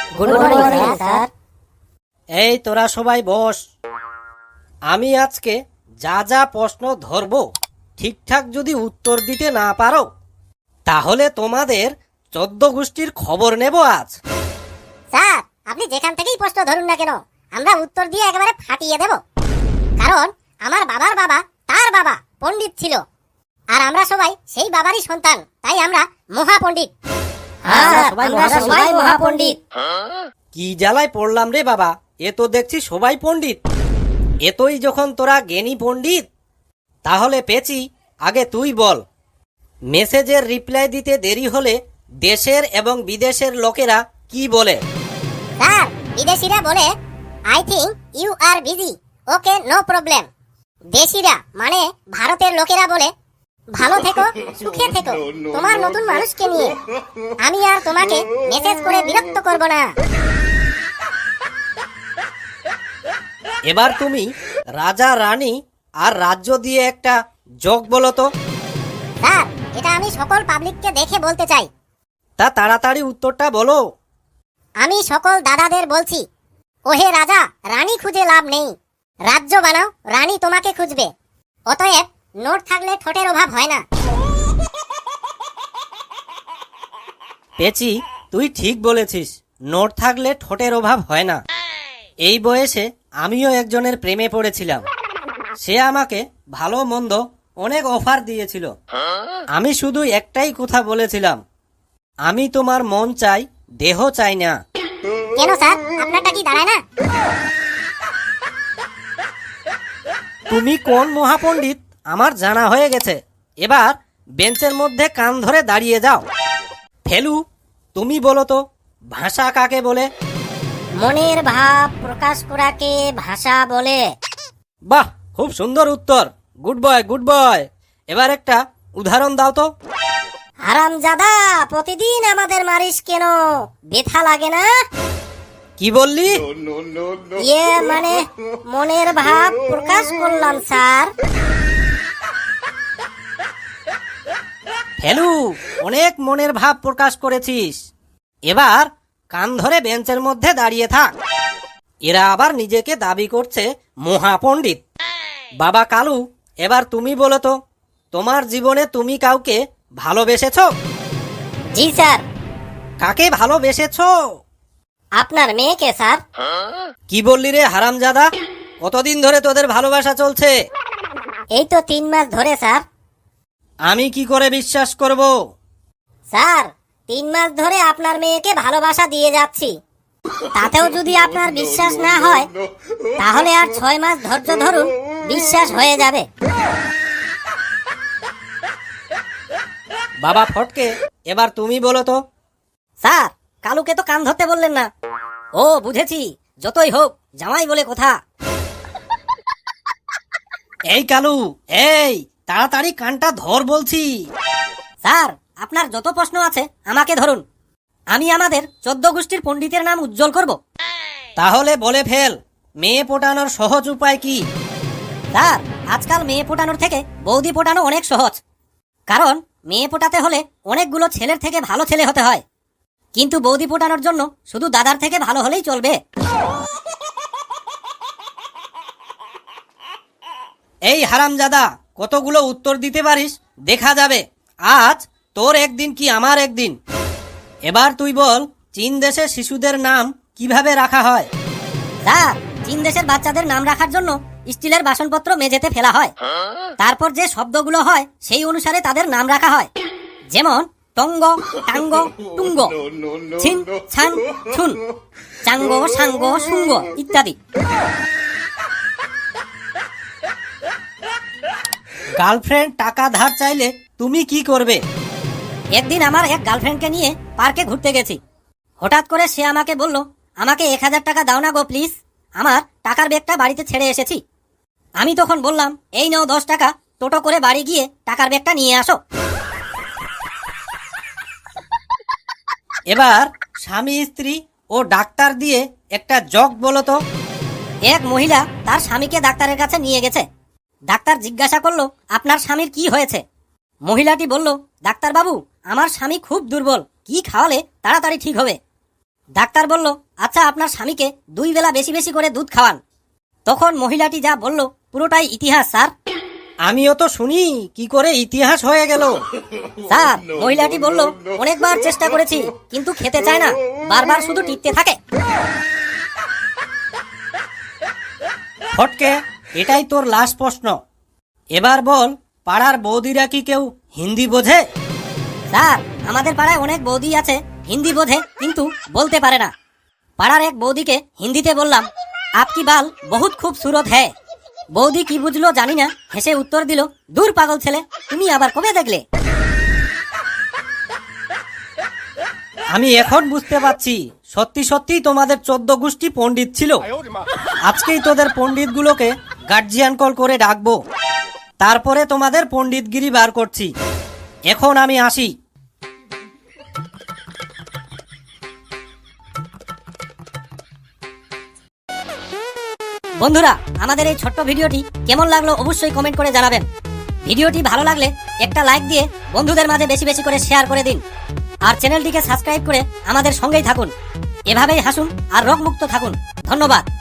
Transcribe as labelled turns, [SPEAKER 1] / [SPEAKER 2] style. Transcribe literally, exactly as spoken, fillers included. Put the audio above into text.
[SPEAKER 1] Good morning sir.
[SPEAKER 2] এই তোরা সবাই বস। আমি আজকে যা যা প্রশ্ন ধরব ঠিকঠাক যদি উত্তর দিতে না পারো তাহলে তোমাদের চোদ্দ গোষ্ঠীর খবর নেব আজ।
[SPEAKER 1] স্যার আপনি যেখান থেকেই প্রশ্ন ধরুন না কেন আমরা উত্তর দিয়ে একেবারে ফাটিয়ে দেব। কারণ আমার বাবার বাবা তার বাবা পণ্ডিত ছিল, আর আমরা সবাই সেই বাবারই সন্তান, তাই আমরা মহাপণ্ডিত। আমরা সবাই মহাপণ্ডিত।
[SPEAKER 2] কি জ্বালায় পড়লাম রে বাবা, এ তো দেখছি সবাই পণ্ডিত। এতই যখন তোরা জ্ঞানী পণ্ডিত তাহলে পেছি আগে তুই বল, মেসেজের রিপ্লাই দিতে দেরি হলে দেশের এবং বিদেশের লোকেরা কি বলে?
[SPEAKER 1] স্যার বিদেশিরা বলে I think you are busy, okay no problem. দেশিরা মানে ভারতের লোকেরা বলে ভালো থেকো, সুখে থেকো তোমার নতুন মানুষকে নিয়ে, আমি আর তোমাকে মেসেজ করে বিরক্ত করব না।
[SPEAKER 2] এবার তুমি রাজা রানী আর রাজ্য দিয়ে একটা যোগ বলো তো।
[SPEAKER 1] স্যার এটা আমি সকল পাবলিককে দেখে বলতে চাই।
[SPEAKER 2] তা তাড়াতাড়ি উত্তরটা বলো।
[SPEAKER 1] আমি সকল দাদাদের বলছি, ওহে রাজা রানী খুঁজে লাভ নেই, রাজ্য বানাও রানী তোমাকে খুঁজবে। অতএব নোট থাকলে ঠোঁটের অভাব হয় না।
[SPEAKER 2] পেছি তুই ঠিক বলেছিস, নোট থাকলে ঠোঁটের অভাব হয় না। এই বয়সে আমিও একজনের প্রেমে পড়েছিলাম। সে আমাকে ভালো মন্দ অনেক অফার দিয়েছিল। আমি শুধু একটাই কথা বলেছিলাম, আমি তোমার মন চাই, দেহ চাই না।
[SPEAKER 1] কেন স্যার আপনারটা কি দাঁড়ায় না?
[SPEAKER 2] তুমি কোন মহাপণ্ডিত আমার জানা হয়ে গেছে। এবার বেঞ্চের মধ্যে কান ধরে দাঁড়িয়ে যাও। ফেলু তুমি বলো তো, ভাষা কাকে বলে?
[SPEAKER 1] মনের ভাব প্রকাশ করাকে ভাষা বলে।
[SPEAKER 2] বাহ, খুব সুন্দর উত্তর, গুড বয় গুড বয়। এবার একটা উদাহরণ দাও তো।
[SPEAKER 1] হারামজাদা প্রতিদিন আমাদের মারিস কেন, ব্যথা লাগে না?
[SPEAKER 2] কি বললি?
[SPEAKER 1] ইয়ে মানে মনের ভাব প্রকাশ করলাম স্যার।
[SPEAKER 2] ফেলু অনেক মনের ভাব প্রকাশ করেছিস। এবার কান ধরে বেঞ্চের মধ্যে দাঁড়িয়ে থাক। এরা আবার নিজেকে দাবি করছে মহাপণ্ডিত। বাবা কালু এবার তুমি বলো তো, তোমার জীবনে তুমি কাউকে ভালোবেসেছো?
[SPEAKER 1] জি স্যার।
[SPEAKER 2] কাকে ভালোবেসেছো?
[SPEAKER 1] আপনার মেয়েকে স্যার।
[SPEAKER 2] কি বললি রে হারামজাদা, কতদিন ধরে তোদের ভালোবাসা চলছে?
[SPEAKER 1] এই তো তিন মাস ধরে স্যার।
[SPEAKER 2] আমি কি করে বিশ্বাস করব?
[SPEAKER 1] স্যার তিন মাস ধরে আপনার মেয়েকে ভালোবাসা দিয়ে যাচ্ছি, তাতেও যদি আপনার বিশ্বাস না হয় তাহলে আর ছয় মাস ধৈর্য ধরুন, বিশ্বাস হয়ে যাবে।
[SPEAKER 2] বাবা ফটকে এবার তুমি বলো তো।
[SPEAKER 3] স্যার কালুকে তো কান ধরতে বললেন না। ও বুঝেছি, যতই হোক জামাই বলে কথা।
[SPEAKER 2] এই কালু, এই তাড়াতাড়ি কানটা ধর বলছি।
[SPEAKER 3] স্যার আপনার যত প্রশ্ন আছে আমাকে ধরুন, আমি আমাদের চোদ্দ গোষ্ঠীর পণ্ডিতের নাম উজ্জ্বল করব।
[SPEAKER 2] তাহলে বলে ফেল, মেয়ে পটানোর সহজ উপায় কি?
[SPEAKER 3] স্যার আজকাল মেয়ে পটানোর থেকে বৌদি পটানো অনেক সহজ। কারণ মেয়ে পটাতে হলে অনেকগুলো ছেলের থেকে ভালো ছেলে হতে হয়, কিন্তু বৌদি পটানোর জন্য শুধু দাদার থেকে ভালো হলেই চলবে।
[SPEAKER 2] এই হারামজাদা, কতগুলো উত্তর দিতে পারিস দেখা যাবে। আজ তোর একদিন কি আমার একদিন। এবার তুই বল, চীন দেশে শিশুদের নাম কিভাবে রাখা হয়?
[SPEAKER 3] স্যার চীন দেশের বাচ্চাদের নাম রাখার জন্য স্টিলের বাসনপত্র মেঝেতে ফেলা হয়, তারপর যে শব্দগুলো হয় সেই অনুসারে তাদের নাম রাখা হয়। যেমন টঙ্গ, টাঙ্গ, টুঙ্গ, ছিন, ছান, ছুন, চাঙ্গ, সাঙ্গ, সুঙ্গ ইত্যাদি।
[SPEAKER 2] গার্লফ্রেন্ড টাকা ধার চাইলে তুমি কি করবে?
[SPEAKER 3] একদিন আমার এক গার্লফ্রেন্ডকে নিয়ে পার্কে ঘুরতে গেছি। হঠাৎ করে সে আমাকে বলল, আমাকে এক হাজার টাকা দাও না গো প্লিজ, আমার টাকার ব্যাগটা বাড়িতে ছেড়ে এসেছি। আমি তখন বললাম, এই নাও দশ টাকা, টোটো করে বাড়ি গিয়ে টাকার ব্যাগটা নিয়ে আসো।
[SPEAKER 2] এবার স্বামী স্ত্রী ও ডাক্তার দিয়ে একটা জগ বলো তো।
[SPEAKER 3] এক মহিলা তার স্বামীকে ডাক্তারের কাছে নিয়ে গেছে। ডাক্তার জিজ্ঞাসা করলো, আপনার স্বামীর কি হয়েছে? মহিলাটি বলল, ডাক্তার বাবু আমার স্বামী খুব দুর্বল, কি খাওয়ালে তাড়াতাড়ি ঠিক হবে? ডাক্তার বলল, আচ্ছা আপনার স্বামীকে দুই বেলা বেশি বেশি করে দুধ খাওয়ান। তখন মহিলাটি যা বলল পুরোটাই ইতিহাস স্যার।
[SPEAKER 2] আমিও তো শুনি কি করে ইতিহাস হয়ে গেল।
[SPEAKER 3] স্যার মহিলাটি বলল, অনেকবার চেষ্টা করেছি কিন্তু খেতে চায় না, বারবার শুধু টিপতে থাকে।
[SPEAKER 2] ফটকে, এটাই তোর লাস্ট প্রশ্ন। এবার বল, পাড়ার বৌদিরা কি কেউ হিন্দি বোঝে?
[SPEAKER 3] স্যার আমাদের পাড়ায় অনেক বৌদি আছে, হিন্দি বোঝে কিন্তু বলতে পারে না। পাড়ার এক বৌদিকে হিন্দিতে বললাম, আপকি বাল বহুত খুবসুরত হ্যায়। বৌদি কি বুঝলো জানি না, হেসে উত্তর দিল, দূর পাগল ছেলে, তুমি আবার কবে দেখলে?
[SPEAKER 2] আমি এখন বুঝতে পারছি সত্যি সত্যি তোমাদের চোদ্দ গোষ্ঠী পণ্ডিত ছিল। আজকেই তোদের পণ্ডিতগুলোকে গার্জিয়ান কল করে ডাকবো, তারপরে তোমাদের পণ্ডিতগিরি বার করছি। এখন আমি আসি।
[SPEAKER 3] বন্ধুরা, আমাদের এই ছোট্ট ভিডিওটি কেমন লাগলো অবশ্যই কমেন্ট করে জানাবেন। ভিডিওটি ভালো লাগলে একটা লাইক দিয়ে বন্ধুদের মাঝে বেশি বেশি করে শেয়ার করে দিন। আর চ্যানেলটিকে সাবস্ক্রাইব করে আমাদের সঙ্গেই থাকুন। এভাবেই হাসুন আর রোগমুক্ত থাকুন। ধন্যবাদ।